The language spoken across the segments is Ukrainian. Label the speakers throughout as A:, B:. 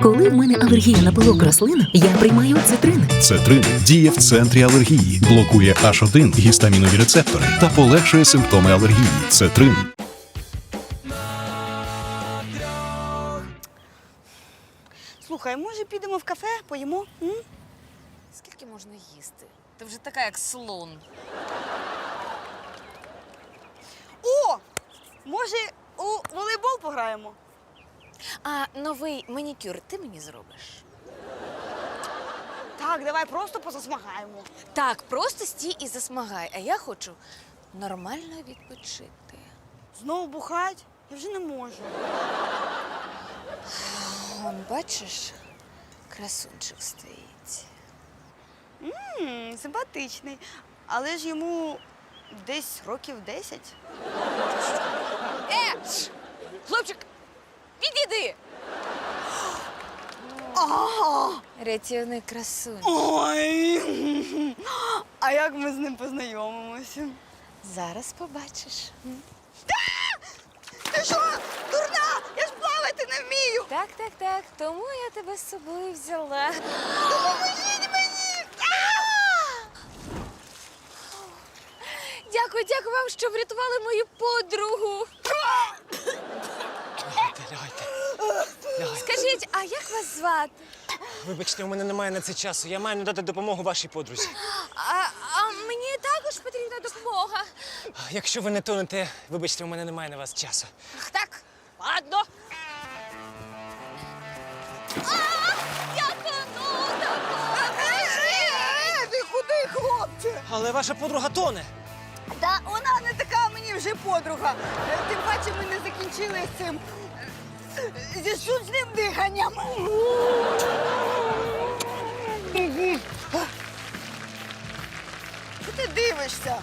A: Коли в мене алергія на пилок рослин, я приймаю цитрин.
B: Цетрин діє в центрі алергії, блокує H1 гістамінові рецептори та полегшує симптоми алергії. Цетрин.
C: Слухай, може підемо в кафе, поїмо? М?
D: Скільки можна їсти? Ти вже така, як слон.
C: О! Може, у волейбол пограємо?
D: А новий манікюр ти мені зробиш?
C: Так, давай просто позасмагаємо.
D: Так, просто стій і засмагай, а я хочу нормально відпочити.
C: Знову бухать? Я вже не можу.
D: Вон, бачиш, красунчик стоїть.
C: Симпатичний. Але ж йому десь років 10.
D: Хлопчик, відійди! Рятівний красунчик.
C: Ой! А як ми з ним познайомимося?
D: Зараз побачиш.
C: Ти що, дурна? Я ж плавати не вмію!
D: Так. Тому я тебе з собою взяла.
C: Допоможіть мені!
D: Дякую вам, що врятували мою подругу.
E: Лягайте.
D: Скажіть, а як вас звати?
E: Вибачте, у мене немає на це часу. Я маю надати допомогу вашій подрузі.
D: А мені також потрібна допомога.
E: Якщо ви не тонете, вибачте, у мене немає на вас часу.
D: Ах, так, ладно. Я тону,
C: Ти куди, хлопче?
E: Але ваша подруга тоне.
C: Та вона не така мені вже подруга. Тим паче ми не закінчили з цим зі штучним диханням. Що ти дивишся?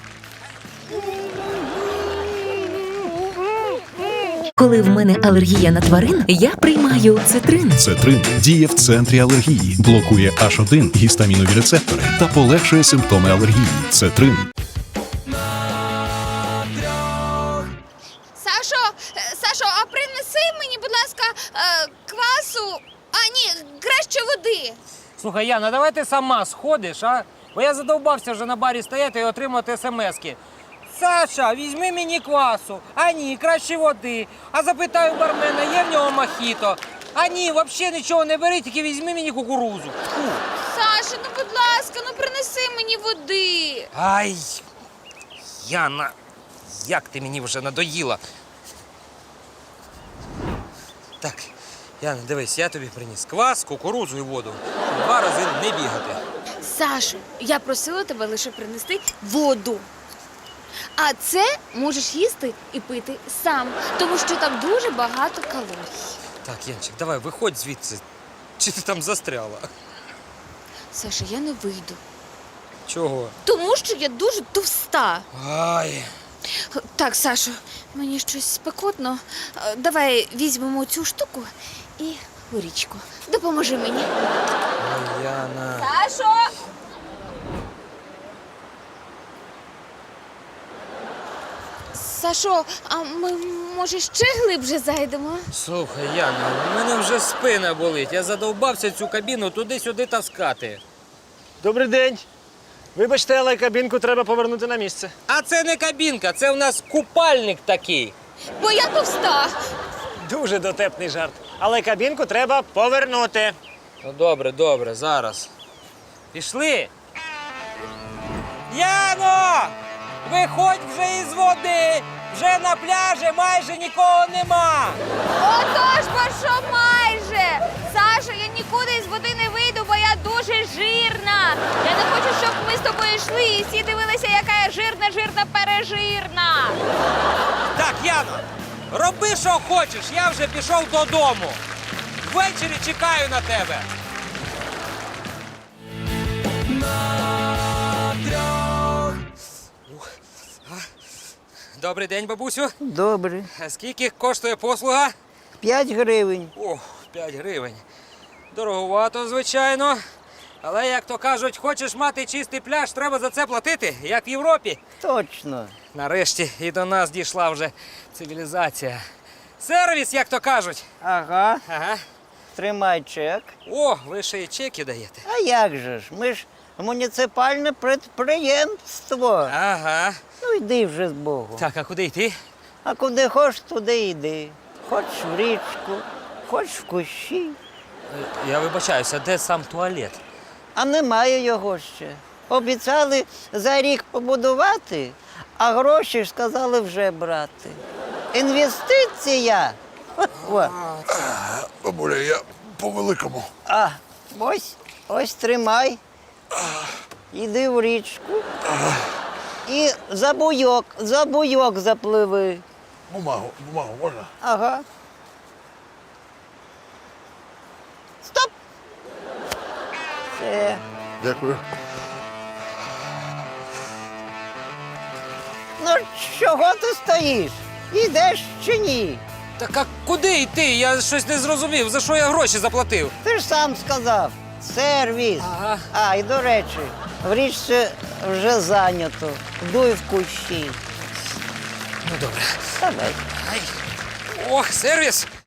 A: Коли в мене алергія на тварин, я приймаю цитрин.
B: Цетрин діє в центрі алергії, блокує H1 гістамінові рецептори та полегшує симптоми алергії. Цетрин.
D: Сашо, а принеси мені, будь ласка, квасу, краще води.
F: Слухай, Яна, давай ти сама сходиш, а? Бо я задовбався вже на барі стояти і отримати смски. Саша, візьми мені квасу. А ні, краще води. А запитаю бармена, є в нього мохіто. А ні, взагалі нічого не бери, тільки візьми мені кукурузу. Фу.
D: Саша, ну будь ласка, принеси мені води.
F: Ай, Яна, як ти мені вже надоїла. Так, Яна, дивись, я тобі приніс квас, кукурузу і воду. 2 рази не бігати.
D: Саша, я просила тебе лише принести воду. А це можеш їсти і пити сам, тому що там дуже багато калорій.
F: Так, Янчик, давай, виходь звідси. Чи ти там застряла?
D: Саша, я не вийду.
F: Чого?
D: Тому що я дуже товста.
F: Ай.
D: Так, Сашо, мені щось спекотно. Давай візьмемо цю штуку і горічку. Допоможи мені.
F: Ой, Яна.
D: Сашо! Сашо, а ми, може, ще глибше зайдемо?
F: Слухай, Яна, у мене вже спина болить. Я задовбався цю кабіну туди-сюди таскати.
E: Добрий день. Вибачте, але кабінку треба повернути на місце.
F: А це не кабінка, це у нас купальник такий.
D: Бо я товста.
E: Дуже дотепний жарт. Але кабінку треба повернути.
F: Ну, добре, зараз. Пішли. Яно! Виходь вже із води! Вже на пляжі майже нікого нема!
D: Отож, бо що майже? Сашо, я нікуди із води не вийду, бо я дуже жирна. Я не хочу, щоб ми з тобою йшли і всі дивилися, яка я жирна, пережирна.
F: Так, Яно, роби, що хочеш, я вже пішов додому. Ввечері чекаю на тебе. Добрий день, бабусю.
G: Добре.
F: А скільки коштує послуга?
G: 5 гривень.
F: О, 5 гривень. Дороговато, звичайно. Але, як то кажуть, хочеш мати чистий пляж, треба за це платити, як в Європі.
G: Точно.
F: Нарешті і до нас дійшла вже цивілізація. Сервіс, як то кажуть.
G: Ага.
F: Ага.
G: тримай чек.
F: О, ви ще й чеки даєте.
G: А як же ж? Ми ж муніципальне підприємство.
F: Ага.
G: Ну йди вже з Богом.
F: Так, а куди йти?
G: А куди хочеш, туди йди. Хоч в річку, хоч в кущі.
F: Я вибачаюся, де сам туалет?
G: А немає його ще. Обіцяли за рік побудувати, а гроші ж сказали вже брати. Інвестиція. О.
H: Бабуля, я по-великому.
G: А, ось тримай. Іди в річку. І за буйок запливи.
H: Бумагу можна?
G: Ага. Стоп! Все.
H: Дякую.
G: Ну, чого ти стоїш? Ідеш чи ні?
F: Так а куди йти? Я щось не зрозумів. За що я гроші заплатив?
G: Ти ж сам сказав. Сервіс.
F: Ага.
G: А, і до речі, в річці вже зайнято. Дуй в кущі.
F: Ну добре.
G: Давай.
F: Ох, сервіс!